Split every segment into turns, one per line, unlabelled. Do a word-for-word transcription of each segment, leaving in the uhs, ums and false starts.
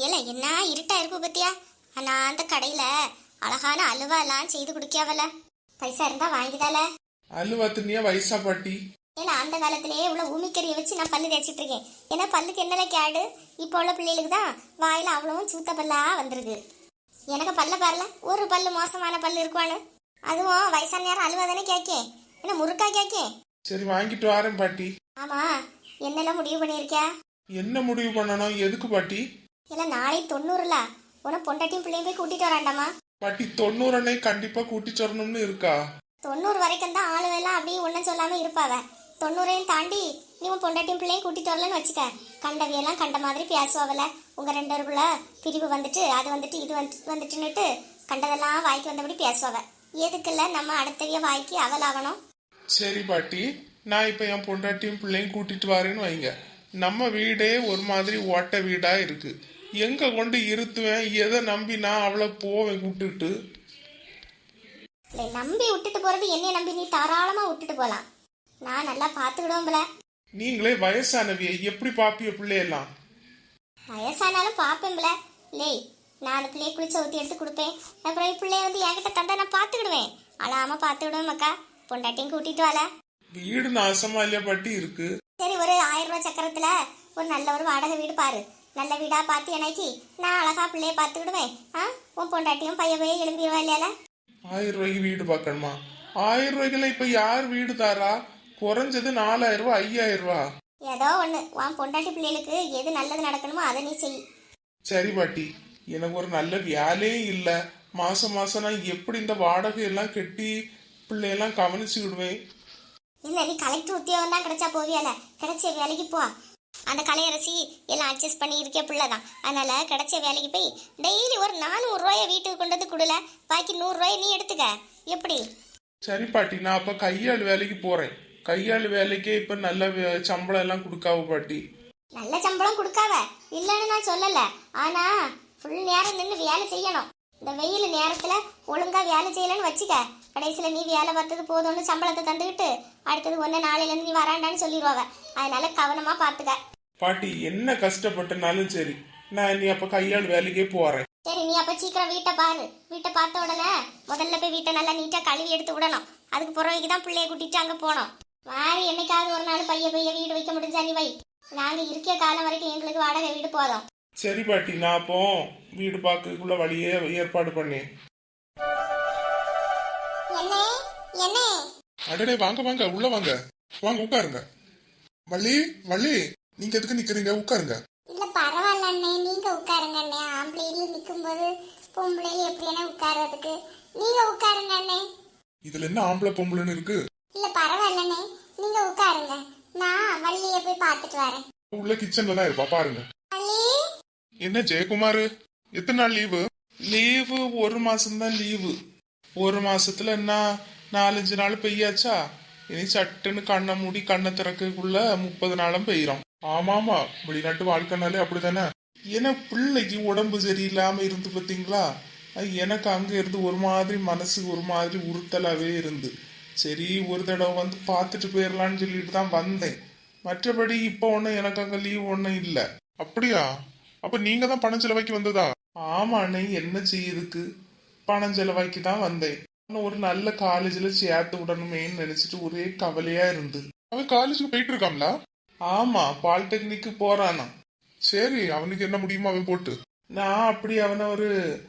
ஏல என்ன இருட்டா இருக்கு பத்தியா? நான் அந்த கடையில அழகான அல்வா எல்லாம் செய்து குடிக்காவல, பைசா இருந்தா வாங்கிதால.
அல்வா தின்னியா வயசா பாட்டி?
ஏன்னா அந்த காலத்திலேயே உள்ள ஊமிக்கறியை வச்சு நான் பல்லு தேய்ச்சிட்டு இருக்கேன். ஏன்னா பல்லுக்கு என்னல கேடு? இப்போ உள்ள பிள்ளைகளுக்கு தான் வாயில அவ்வளவும் சூத்த பல்லா வந்துருக்கு. எனக்கு பல்ல பாருல, ஒரு பல்லு மோசமான பல்லு இருக்குவானு. அதுவும் வயசான நேரம் அல்வா தானே கேட்கேன், என்ன முறுக்கா கேட்கேன்.
சரி வாங்கிட்டு வரேன் பாட்டி.
ஆமா, என்னெல்லாம் முடிவு பண்ணியிருக்கியா?
என்ன முடிவு பண்ணணும்? எதுக்கு பாட்டி?
இல்ல நாளை தொண்ணூறுல உன பொண்டாட்டியும் பிள்ளையும் போய் கூட்டிட்டு வராண்டாமா?
பாட்டி தொண்ணூறு அன்னை கண்டிப்பா கூட்டிட்டு வரணும்னு இருக்கா?
தொண்ணூறு வரைக்கும் தான் ஆளுவெல்லாம் அப்படியே ஒன்னும் சொல்லாம இருப்பாவ. தொண்ணூறையும் தாண்டி நீ உன் பொண்டாட்டியும் பிள்ளையும் கூட்டிட்டு வரலன்னு வச்சுக்க, கண்டவியெல்லாம் கண்ட மாதிரி பேசுவாவல. உங்க ரெண்டு பேருக்குள்ள பிரிவு வந்துட்டு அது வந்துட்டு இது வந்து வந்துட்டுன்னுட்டு கண்டதெல்லாம் வாய்க்கு வந்தபடி பேசுவாவ. எதுக்குல்ல நம்ம அடுத்தவிய வாய்க்கு அவலாகணும்?
சரி பாட்டி, நான் இப்ப என் பொண்டாட்டியும் பிள்ளையும் கூட்டிட்டு வரேன்னு வைங்க. நம்ம வீடே ஒரு மாதிரி ஓட்ட வீடா இருக்கு. எங்க கொண்டு இருத்துவேன்? எதை நம்பி நான் அவளை போவேன் கூப்பிட்டுட்டு?
நம்பி விட்டுட்டு போறது என்னைய நம்பி நீ தாராளமா விட்டுட்டு போலாம். நான் நல்லா பாத்துக்கிடுவோம்ல.
நீங்களே வயசானவிய எப்படி பாப்பிய பிள்ளையெல்லாம்?
வயசானாலும் பாப்பேன்ல. லேய், நான் அந்த பிள்ளைய குளிச்ச ஊத்தி எடுத்து கொடுப்பேன். அப்புறம் பிள்ளைய வந்து என்கிட்ட தந்தா நான் பாத்துக்கிடுவேன். அழாம பாத்துக்கிடுவேன் அக்கா. பொண்டாட்டியும் கூட்டிட்டு வாழ.
வீடு நாசமா இல்லையா பாட்டி இருக்கு?
சரி, ஒரு ஆயிரம் ரூபாய் சக்கரத்துல ஒரு நல்ல ஒரு வாடகை வீடு பாரு. நல்ல வீடா பார்த்து எனக்கு நான் அழகா பிள்ளைய பாத்துக்கிடுவேன். ஆ, உன் பொண்டாட்டியும் பைய போய் எழும்பிடுவா இல்லையால?
ஆயிரம் ரூபாய்க்கு வீடு பார்க்கணுமா? ஆயிரம் ரூபாய்க்குல இப்ப யார் வீடு தாரா? குறைஞ்சது நாலாயிரம் ரூபாய் ஐயாயிரம் ரூபாய்.
ஏதோ ஒண்ணு உன் பொண்டாட்டி பிள்ளைகளுக்கு எது நல்லது நடக்கணுமோ அதை நீ செய்.
சரி பாட்டி, எனக்கு ஒரு நல்ல வேலையே இல்ல. மாசம் மாசம் நான் எப்படி இந்த வாடகை எல்லாம் கட்டி பிள்ளையெல்லாம் கவனிச்சுக்கிடுவேன்?
இல்ல, நீ கலெக்டர் உத்தியோகம் தான் கிடைச்சா போவியால, கிடைச்ச வேலைக்கு போ. அந்த கலையரசி எல்லாம் அட்ஜஸ்ட் பண்ணி இருக்க பிள்ளைதான். அதனால கிடைச்ச வேலைக்கு போய் டெய்லி ஒரு நானூறு ரூபாய வீட்டுக்கு கொண்டு வந்து கொடுல, பாக்கி நூறு ரூபாய் நீ எடுத்துக்க. எப்படி?
சரி பாட்டி, நான் அப்ப கையாள் வேலைக்கு போறேன். கையாள் வேலைக்கே இப்ப நல்ல சம்பளம் எல்லாம் கொடுக்காவ பாட்டி.
நல்ல சம்பளம் கொடுக்காவ இல்லன்னு நான் சொல்லல. ஆனா ஃபுல் நேரம் நின்று வேலை செய்யணும். இந்த வெயில் நேரத்துல ஒழுங்கா வேலை செய்யலன்னு வச்சுக்க, கடைசியில நீ வேலை பார்த்தது போதும்னு சம்பளத்தை தந்துக்கிட்டு அடுத்தது ஒன்னு நாளையில இருந்து நீ வராண்டான்னு சொல்லிடுவாங்க. அதனால கவனமா பாத்துக்க
பாட்டி. என்ன கஷ்டப்பட்டனாலும் சரி, நான் நீ அப்ப கையாள் வேலைக்கே போறேன்.
சரி, நீ அப்ப சீக்கிரம் வீட்டை பாரு. வீட்டை பார்த்த உடனே முதல்ல போய் வீட்டை நல்லா நீட்டா கழுவி எடுத்து விடணும். அதுக்கு பிறகு தான் பிள்ளைய கூட்டிட்டு அங்க போனோம். மாறி என்னைக்காவது ஒரு நாள் பைய பைய வீடு வைக்க முடிஞ்சா நீ வை. நாங்க இருக்க காலம் வரைக்கும் எங்களுக்கு வாடகை வீடு போதும்.
சரி பாட்டி, நான் அப்போ வீடு பார்க்கக்குள்ள வழியே ஏற்பாடு பண்ணேன். அடடே, வாங்க வாங்க, உள்ள வாங்க, வாங்க உட்காருங்க. வள்ளி வள்ளி, நீங்க எதுக்கு நிக்கிறீங்க? உட்காருங்க.
இல்ல பரவாயில்ல அண்ணே, நீங்க உட்காருங்க அண்ணே. ஆம்பளையில நிக்கும் போது பொம்பளையில எப்படி உட்கார்றதுக்கு? நீங்க உட்காருங்க அண்ணே.
இதுல என்ன ஆம்பளை பொம்பளைன்னு இருக்கு?
இல்ல பரவாயில்ல அண்ணே, நீங்க உட்காருங்க. நான் வள்ளிய போய் பார்த்துட்டு வரேன்.
உள்ள கிச்சன்ல தான் இருப்பா, பாருங்க. என்ன ஜெயக்குமார், எத்தனை நாள் லீவு? லீவு ஒரு மாசம் தான் லீவு. ஒரு மாசத்துல என்ன நாலஞ்சு நாள் பெய்யாச்சா? இனி சட்டுன்னு கண்ணை மூடி கண்ணை திறக்கக்குள்ள முப்பது நாளும் பெய்யறோம். ஆமாமா, வெளிநாட்டு வாழ்க்கைனாலே அப்படித்தானே. ஏன்னா பிள்ளைக்கு உடம்பு சரியில்லாம இருந்து பார்த்தீங்களா, எனக்கு அங்க இருந்து ஒரு மாதிரி மனசு ஒரு மாதிரி உறுத்தலாவே இருந்து, சரி ஒரு தடவை வந்து பார்த்துட்டு போயிடலான்னு சொல்லிட்டு தான் வந்தேன். மற்றபடி இப்போ ஒன்றும் எனக்கு அங்கே லீவ் ஒன்றும் இல்லை. அப்படியா? அப்ப நீங்க தான் பணம் செலவாக்கி வந்ததா? ஆமா அண்ணே, என்ன செய்யுதுக்கு பணம் செலவாக்கி தான் வந்தேன். ஒரு நல்ல காலேஜ்ல சேர்த்து விடணுமேன்னு நினைச்சிட்டு ஒரே கவலையா இருந்து. அவன் காலேஜுக்கு போயிட்டு இருக்காங்களா? ஆமா, பாலிடெக்னிக்கு போறானா. சரி, அவனுக்கு என்ன முடியுமோ அவன் போட்டு. நான் அப்படி அவனை ஒரு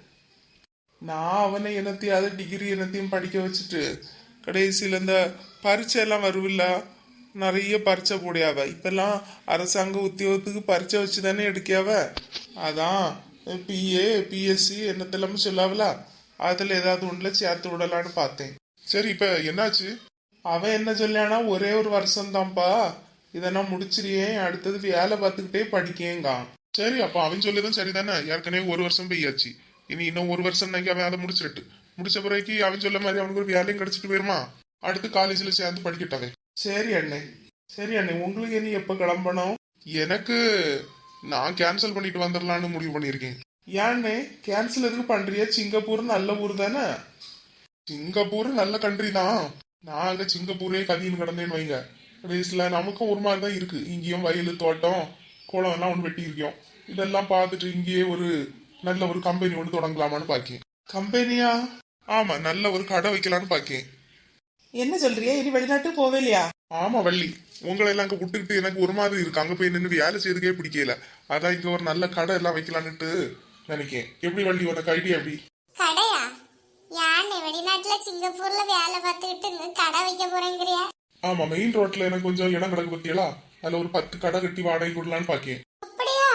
நான் அவனை என்னத்தையாவது டிகிரி என்னத்தையும் படிக்க வச்சுட்டு கடைசியில இந்த பரீட்சை எல்லாம் வருவில்ல, நிறைய பரீட்சை போடியாவ. இப்பெல்லாம் அரசாங்க உத்தியோகத்துக்கு பரீட்சை வச்சு தானே எடுக்காவ. அதான் பிஏ பிஎஸ்சி என்னத்தெல்லாம சொல்லாவல, அதுல ஏதாவது ஒண்ணுல சேர்த்து விடலான்னு பார்த்தேன். சரி, இப்ப என்னாச்சு? அவன் என்ன சொல்லானா, ஒரே ஒரு வருஷம் தான்ப்பா, இதை நான் முடிச்சிருக்கேன், அடுத்தது வேலை பார்த்துக்கிட்டே படிக்கேங்க. சரி, அப்ப அவன் சொல்லிதான் சரிதானே. ஏற்கனவே ஒரு வருஷம் பெய்யாச்சு, இனி இன்னும் ஒரு வருஷம் அவன் அதை முடிச்சிட்டு முடிச்ச பிறகு அவன் சொல்ல மாதிரி அவனுக்கு ஒரு வேலையும் கிடைச்சிட்டு போயிருமா, அடுத்து காலேஜ்ல சேர்ந்து படிக்கட்டாவே. சரி அண்ணே, சரி அண்ணே, உங்களுக்கு இனி எப்ப கிளம்பணும்? எனக்கு நான் கேன்சல் பண்ணிட்டு வந்துடலான்னு முடிவு பண்ணிருக்கேன். ஏன்னே கேன்சல் எதுக்கு பண்றியா? சிங்கப்பூர் நல்ல ஊர் தானே. சிங்கப்பூர் நல்ல கண்ட்ரி தான். நான் அங்க சிங்கப்பூரே கதின்னு கிடந்தேன்னு வைங்க, கடைசியில நமக்கும் ஒரு மாதிரி தான் இருக்கு. இங்கேயும் வயல் தோட்டம் குளம் எல்லாம் ஒன்று வெட்டி இருக்கோம். இதெல்லாம் பார்த்துட்டு இங்கேயே ஒரு நல்ல ஒரு கம்பெனி ஒன்று தொடங்கலாமான்னு பாக்கேன். கம்பெனியா? ஆமா, நல்ல ஒரு கடை வைக்கலான்னு பாக்கேன்.
என்ன சொல்றியா? இனி வெளிநாட்டு போவே இல்லையா?
ஆமா வள்ளி, உங்களை எல்லாம் அங்க விட்டுக்கிட்டு எனக்கு ஒரு மாதிரி இருக்கு. அங்க போய் நின்று வேலை செய்யறதுக்கே பிடிக்கல. அதான் இங்க ஒரு நல்ல கடை எல்லாம் வைக்கலான்னுட்டு நினைக்கேன். எப்படி வள்ளி, உனக்கு ஐடியா எப்படி?
கடையா? யானை வெளிநாட்டுல சிங்கப்பூர்ல வேலை பார்த்துக்கிட்டு இங்க கடை வைக்க போறேங்கிறியா?
ஆமா, மெயின் ரோட்ல எனக்கு கொஞ்சம் இடம் கிடக்கு பத்தியலா, அதுல ஒரு பத்து கடை கட்டி வாடகை கொடுக்கலான்னு பாக்கேன்.
அப்படியா?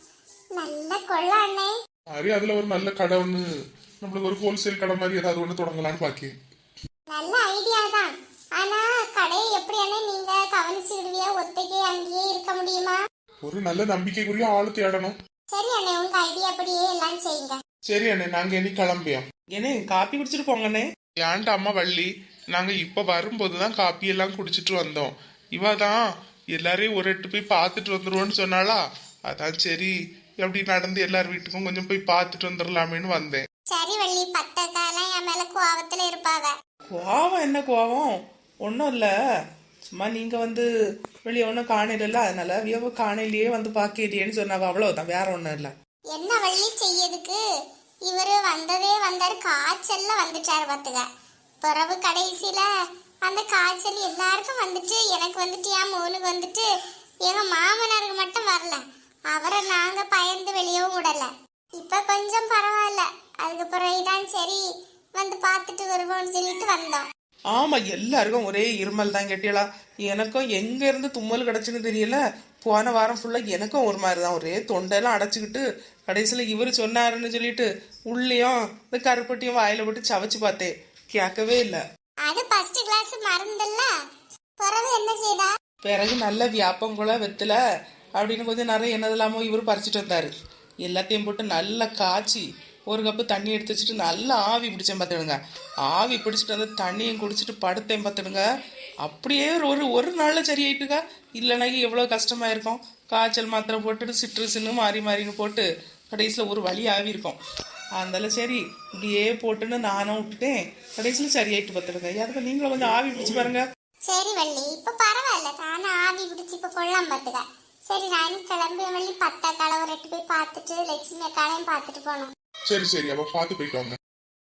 நல்ல கொள்ள அண்ணே.
சரி, அதுல ஒரு நல்ல கடை ஒண்ணு, நம்மளுக்கு ஒரு ஹோல்சேல் கடை மாதிரி ஏதாவது ஒண்ணு தொடங்கலான்னு பாக்கேன்.
நல்ல ஐடியா தான். ஆனா கடையை எப்படி அண்ணே நீங்க கவனிச்சுடுவியா? ஒத்தைக்கே அங்கேயே இருக்க முடியுமா?
ஒரு நல்ல நம்பிக்கைக்குரிய ஆளு தேடணும்.
சரி அண்ணே, உங்க ஐடியா அப்படியே எல்லாம் செய்யுங்க.
சரி அண்ணே, நாங்க இனி கிளம்பியோம்.
ஏனே காப்பி குடிச்சிட்டு போங்கண்ணே.
ஏன்டா அம்மா வள்ளி, நாங்க இப்ப வரும்போதுதான் காப்பி எல்லாம் குடிச்சிட்டு வந்தோம். இவதான் எல்லாரையும் ஒரு எட்டு போய் பார்த்துட்டு வந்துருவோன்னு சொன்னாளா, அதான் சரி எப்படி நடந்து எல்லார் வீட்டுக்கும் கொஞ்சம் போய் பார்த்துட்டு வந்துடலாமேன்னு வந்தேன்.
சரி வள்ளி, பத்த காலம் என் மேல கோவத்துல இருப்பாவ.
கோவம் என்ன கோவம்? ஒன்றும் இல்லை, சும்மா நீங்க வந்து வெளியே ஒன்றும் காணையில, அதனால வியவ காணையிலேயே வந்து பார்க்கலையேன்னு சொன்னாவ, அவ்வளவுதான், வேற ஒன்றும் இல்லை.
என்ன வள்ளி செய்யதுக்கு? இவரு வந்ததே வந்தாரு, காய்ச்சல்ல வந்துட்டாரு பாத்துக்க. பிறகு கடைசியில அந்த காய்ச்சல் எல்லாருக்கும் வந்துட்டு எனக்கு வந்துட்டு என் மோனுக்கு வந்துட்டு எங்க மாமனாருக்கு மட்டும் வரல. அவரை நாங்க பயந்து வெளியவும் விடல. இப்ப கொஞ்சம் பரவாயில்ல. அதுக்கு பிறகுதான் சரி வந்து பார்த்துட்டு வருவோம்னு சொல்லிட்டு வந்தோம்.
ஆமா, எல்லாருக்கும் ஒரே இருமல் தான் கேட்டியலா. எனக்கும் எங்க இருந்து தும்மல் கிடச்சுன்னு தெரியல. போன வாரம் ஃபுல்லா எனக்கும் ஒரு மாதிரி தான், ஒரே தொண்டையெல்லாம் அடைச்சிக்கிட்டு கடைசியில இவரு சொன்னாருன்னு சொல்லிட்டு உள்ளேயும் இந்த கருப்பட்டியும் வாயில போட்டு சவைச்சு பார்த்தேன், கேட்கவே இல்லை.
அது ஃபர்ஸ்ட் கிளாஸ் மருந்துல்ல. பிறகு என்ன செய்தா?
பிறகு நல்ல வியாப்பங்குள்ள வெத்தல அப்படின்னு கொஞ்சம் நிறைய என்னதெல்லாமோ இவர் பறிச்சுட்டு வந்தாரு. எல்லாத்தையும் போட்டு நல்லா காய்ச்சி ஒரு கப்பு தண்ணி எடுத்து வச்சுட்டு நல்லா ஆவி பிடிச்சேன் பார்த்துடுங்க. ஆவி பிடிச்சிட்டு வந்து தண்ணியும் குடிச்சிட்டு படுத்தேன் பார்த்துடுங்க. அப்படியே ஒரு ஒரு நாளில் சரியாயிட்டுக்கா. இல்லைனா எவ்வளோ கஷ்டமா இருக்கும். காய்ச்சல் மாத்திரை போட்டுட்டு சிட்ரஸுன்னு மாறி மாறின்னு போட்டு கடைசியில் ஒரு வழி ஆவி இருக்கும். அதனால சரி இப்படியே போட்டுன்னு நானும் விட்டுட்டேன். கடைசியில் சரியாயிட்டு பார்த்துடுங்க. அதுக்கு நீங்களும் கொஞ்சம் ஆவி பிடிச்சி பாருங்க.
சரி வள்ளி, இப்ப பரவாயில்ல. நானும் ஆவி பிடிச்சி இப்ப கொள்ளாம பாத்துக்க. சரி, நானும் கிளம்பி வள்ளி பத்தா காலை ஒரு எட்டு போய் பார்த்துட்டு லட்சுமி அக்காலையும் பார்த்துட்டு போனோம்.
சரி சரி, அப்ப பார்த்து போயிட்டு வாங்க.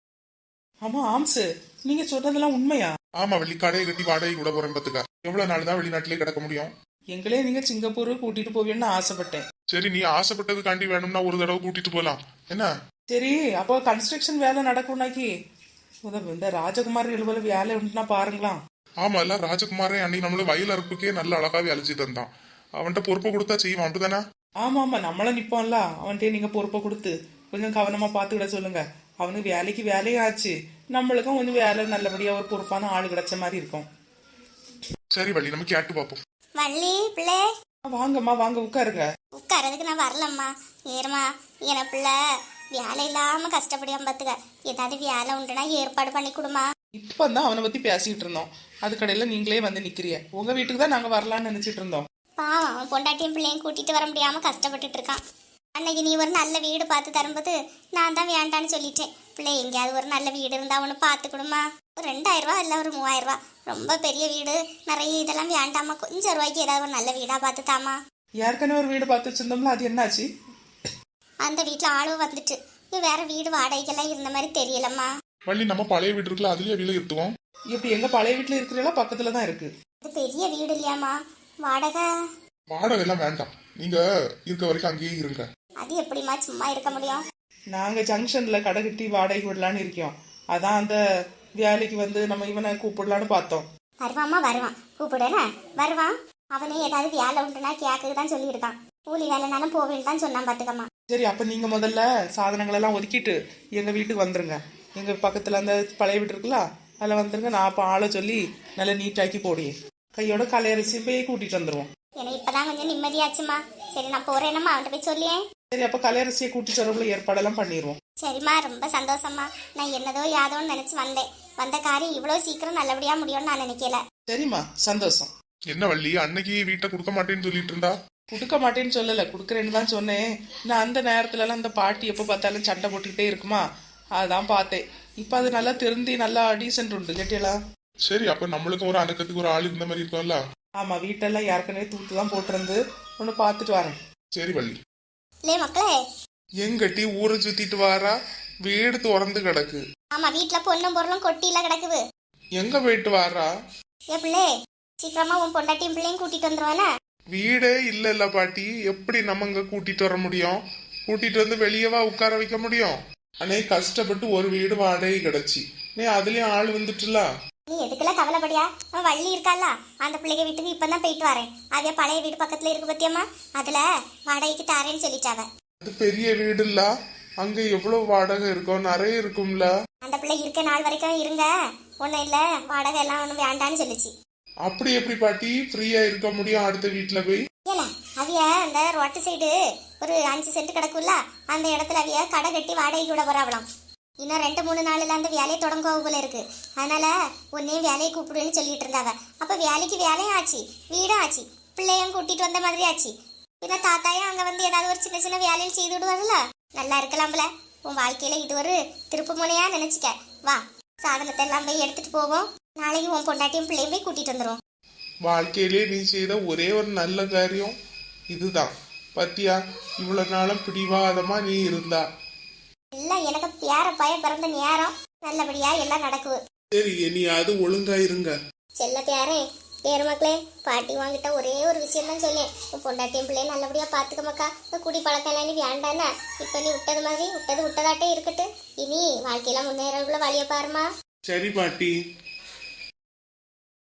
ஆமா ஆம்சு, நீங்க சொல்றதெல்லாம் உண்மையா?
ஆமா வள்ளி, கடையை கட்டி வாடகை கூட போறேன் பாத்துக்க. எவ்வளவு நாள் தான் வெளிநாட்டிலே கிடக்க முடியும்?
எங்களே நீங்க சிங்கப்பூர் கூட்டிட்டு போவீன்னு ஆசைப்பட்டேன்.
சரி, நீ ஆசைப்பட்டதுக்காண்டி வேணும்னா ஒரு தடவை கூட்டிட்டு போலாம் என்ன?
சரி, அப்போ கன்ஸ்ட்ரக்ஷன் வேலை நடக்கும்னாக்கி உதவு இந்த ராஜகுமார் எழுபல வேலை உண்டுனா பாருங்களாம்.
ஆமா, இல்ல ராஜகுமாரே அன்னைக்கு நம்மள வயல் அறுப்புக்கே நல்ல அழகாவே அழிச்சு தந்தான். அவன்கிட்ட பொறுப்பை கொடுத்தா செய்வான், அப்படிதானே?
ஆமா ஆமா, நம்மள நிப்போம்ல, அவன்கிட்ட நீங்க பொறுப்பை கொடுத்து கொஞ்சம் கவனமா பாத்துக்கிட சொல்லுங்க. அவனுக்கு வேலைக்கு வேலையும் ஆச்சு, நம்மளுக்கும் கொஞ்சம் வேலை நல்லபடியா ஒரு பொறுப்பான ஆள் கிடைச்ச மாதிரி இருக்கும்.
சரி வள்ளி, நம்ம கேட்டு பார்ப்போம்.
வள்ளி பிள்ளை,
வாங்கம்மா வாங்க உட்காருங்க.
உட்காரதுக்கு நான் வரலம்மா. ஏறமா, என பிள்ளை வேலை இல்லாம கஷ்டப்படியாம பாத்துக்க. ஏதாவது வேலை உண்டுனா ஏற்பாடு பண்ணி கொடுமா.
இப்பதான் அவனை பத்தி பேசிட்டு இருந்தோம், அதுக்கடையில நீங்களே வந்து நிக்கிறிய. உங்க வீட்டுக்கு தான் நாங்க வரலாம்னு நினைச்சிட்டு இருந்தோம்.
பாவம், அவன் பொண்டாட்டியும் பிள்ளையும் கூட்டிட்டு வர முடியாம கஷ்டப்பட்டுட்டு இருக்கான். அன்னைக்கு நீ ஒரு நல்ல வீடு பார்த்து தரும்போது நான் தான் வேண்டான்னு சொல்லிட்டேன். பிள்ளை எங்கேயாவது ஒரு நல்ல வீடு இருந்தா அவனு பார்த்துக்கணுமா. ஒரு ரெண்டாயிரம் ரூபா இல்லை ஒரு மூவாயிரம் ரூபா, ரொம்ப பெரிய வீடு நிறைய இதெல்லாம் வேண்டாமா. கொஞ்சம் ரூபாய்க்கு ஏதாவது ஒரு நல்ல வீடா பார்த்து தாமா.
ஏற்கனவே ஒரு வீடு பார்த்து வச்சிருந்தோம்ல, அது என்னாச்சு?
அந்த வீட்டுல ஆளும் வந்துட்டு நீ வேற வீடு வாடகைக்கெல்லாம் இருந்த மாதிரி தெரியலம்மா.
வள்ளி, நம்ம பழைய வீடு இருக்குல்ல, அதுலயே வீடு இருத்துவோம்.
இப்ப எங்க பழைய வீட்டுல இருக்கிறீங்களா? பக்கத்துல தான் இருக்கு.
இது பெரிய வீடு இல்லையாமா, வாடகை
வாடகை எல்லாம் வேண்டாம், நீங்க இருக்க வரைக்கும் அங்கேயே இருங்க.
அது எப்படிமா சும்மா இருக்க முடியும்?
நாங்க ஜங்ஷன்ல கடை கட்டி வாடகை விடலான்னு இருக்கோம். அதான் அந்த வேலைக்கு வந்து நம்ம இவனை கூப்பிடலான்னு பார்த்தோம்.
வருவாமா, வருவான், கூப்பிடுனா வருவான். அவனே ஏதாவது வேலை உண்டுனா கேக்குக்கு தான் சொல்லியிருக்கான். கூலி வேலைனாலும் போவேன்னு தான் சொன்னான் பாத்துக்கம்மா.
சரி, அப்ப நீங்க முதல்ல சாதனங்கள் எல்லாம் ஒதுக்கிட்டு எங்க வீட்டுக்கு வந்துருங்க. எங்க பக்கத்துல அந்த பழைய வீடு இருக்குல்ல, அதில் வந்துருங்க. நான் அப்போ ஆளை சொல்லி நல்லா நீட்டாக்கி போடியே கையோட கலையரிசி போய் கூட்டிட்டு வந்துருவோம்.
எனக்கு இப்பதான் கொஞ்சம் நிம்மதியாச்சுமா. சரி, நான் போறேனம்மா, அவன்கிட்ட போய் சொல்லியேன்.
சரி, அப்ப கலையரசியை கூட்டி சொல்றதுல ஏற்பாடெல்லாம் பண்ணிடுவோம்.
சரிம்மா, ரொம்ப சந்தோஷமா. நான் என்னதோ யாதோன்னு நினைச்சு வந்தேன். வந்த காரியம் இவ்வளவு சீக்கிரம் நல்லபடியா முடியும்னு நான் நினைக்கல.
சரிம்மா, சந்தோஷம்.
என்ன வள்ளி, அன்னைக்கு வீட்டை கொடுக்க மாட்டேன்னு சொல்லிட்டு இருந்தா?
கொடுக்க மாட்டேன்னு சொல்லல, கொடுக்குறேன்னு தான் சொன்னேன். நான் அந்த நேரத்துல எல்லாம் அந்த பாட்டி எப்ப பார்த்தாலும் சண்டை போட்டுக்கிட்டே இருக்குமா, அதான் பார்த்தேன். இப்ப அது நல்லா திருந்தி நல்லா டீசென்ட் உண்டு கேட்டியலா.
சரி, அப்ப நம்மளுக்கும் ஒரு அடக்கத்துக்கு ஒரு ஆள் இருந்த மாதிரி இருக்கும்ல.
ஆமா, வீட்டெல்லாம் ஏற்கனவே தூத்து தான் போட்டிருந்து ஒன்று பார்த்துட்டு வரேன்.
சரி வள்ளி.
லே மக்களே.
எங்கட்டி ஊரை சுத்திட்டு வாரா, வீடு திறந்து கிடக்கு.
ஆமா, வீட்டுல பொண்ணும் பொருளும் கொட்டியில கிடக்குது.
எங்க போயிட்டு வாரா?
ஏ பிள்ளை, சீக்கிரமா உன் பொண்டாட்டியும் பிள்ளையும் கூட்டிட்டு வந்துருவானே.
வீடே இல்ல இல்ல பாட்டி, எப்படி நம்ம இங்க கூட்டிட்டு வர முடியும்? கூட்டிட்டு வந்து வெளியவா உட்கார வைக்க முடியும்? அன்னை கஷ்டப்பட்டு ஒரு வீடு வாடகை கிடைச்சி, நீ அதுலயும் ஆள் வந்துட்டுல.
நீ எதுக்கெல்லாம் கவலைப்படியா? அவன் வள்ளி இருக்கால, அந்த பிள்ளைங்க வீட்டுக்கு இப்பதான் போயிட்டு வரேன். அதே பழைய வீடு பக்கத்துல இருக்கு பத்தியம்மா, அதுல வாடகைக்கு தாரேன்னு சொல்லிட்டாவ.
அது பெரிய வீடு இல்ல, அங்க எவ்வளவு வாடகை இருக்கும்? நிறைய இருக்கும்ல.
அந்த பிள்ளை இருக்க நாள் வரைக்கும் இருங்க, ஒன்னும் இல்ல வாடகை எல்லாம் ஒன்னும் வேண்டான்னு சொல்லிச்சு.
அப்படி எப்படி பாட்டி ஃப்ரீயா இருக்க முடியும் அடுத்த வீட்டுல போய்?
ஏல அவிய அந்த ரோட்டு சைடு ஒரு அஞ்சு சென்ட் கிடக்குல்ல, அந்த இடத்துல அவிய கடை கட்டி வாடகை கூட போறாவலாம். இன்னும் ரெண்டு மூணு நாள்ல அந்த வேலையை தொடங்க போல இருக்கு. அதனால உன்னையும் வேலையை கூப்பிடுன்னு சொல்லிட்டு இருந்தாவ. அப்ப வேலைக்கு வேலையும் ஆச்சு, வீடும் ஆச்சு, பிள்ளையும் கூட்டிட்டு வந்த மாதிரி ஆச்சு. பின்ன தாத்தாயும் அங்க வந்து ஏதாவது ஒரு சின்ன சின்ன வேலையும் செய்து விடுவாங்கல்ல, நல்லா இருக்கலாம்ல. உன் வாழ்க்கையில இது ஒரு திருப்பு முனையா நினைச்சுக்க. வா, சாதனத்தை எல்லாம் போய் எடுத்துட்டு போவோம். நாளைக்கு உன் பொண்டாட்டியும் பிள்ளையும் போய் கூட்டிட்டு வந்துடும்.
வாழ்க்கையிலே நீ செய்த ஒரே ஒரு நல்ல காரியம் இதுதான் பத்தியா. இவ்வளவு நாளும் பிடிவாதமா நீ இருந்தா
எல்லாம் எனக்கு பேர பய பிறந்த நேரம் நல்லபடியா எல்லாம் நடக்குது.
சரி, நீ அது ஒழுங்கா இருங்க.
செல்ல பேரே, பேரு மக்களே, பாட்டி வாங்கிட்ட ஒரே ஒரு விஷயம் தான் சொல்லேன். உன் பொண்டாட்டியும் பிள்ளையும் நல்லபடியா பாத்துக்க மக்கா. இந்த குடி பழக்கம் எல்லாம் நீ வேண்டானே. இப்ப நீ விட்டது மாதிரி விட்டது விட்டதாட்டே இருக்கட்டு. இனி வாழ்க்கையில முன்னேறவுள்ள வழிய பாருமா.
சரி பாட்டி.